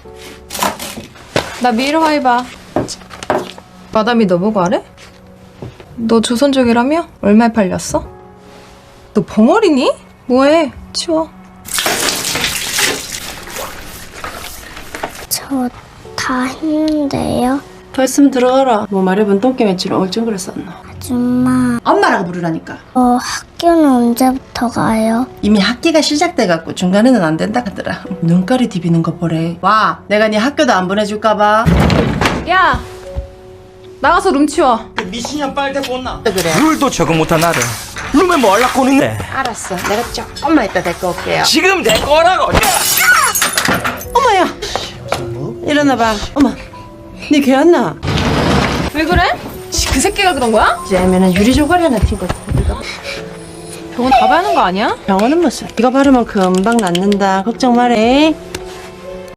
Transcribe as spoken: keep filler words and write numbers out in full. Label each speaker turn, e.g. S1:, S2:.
S1: 나 미르화이바. 마담이 너 보고 하래? 너 조선족이라며? 얼마에 팔렸어? 너 벙어리니? 뭐해? 치워.
S2: 저 다 했는데요.
S3: 벌씀 들어가라. 뭐 말해본 똥개매치를 얼쩡 썼나.
S2: 아줌마,
S3: 엄마라고 부르라니까.
S2: 어, 학교는 언제부터 가요?
S3: 이미 학기가 시작돼갖고 중간에는 안 된다 하더라. 눈깔이 디비는 거 보래. 와, 내가 네 학교도 안 보내줄까봐.
S1: 야! 나가서 룸 치워.
S4: 미친년 빨대 꽂나?
S3: 그래.
S4: 룰도 적응 못한 나를 룸에 뭐 하려고 있네.
S3: 알았어. 내가 조금만 이따 데리고 올게요.
S4: 지금 내 거라고.
S3: 어머야. 일어나봐. 어머. 네 개왔나?
S1: 왜 그래? 씨, 그 새끼가 그런 거야?
S3: 이제면은 유리 조각이 하나 튄 거지.
S1: 병원 가봐야 하는 거 아니야?
S3: 병원은 무슨? 이거 바르면 금방 낫는다. 걱정 말해.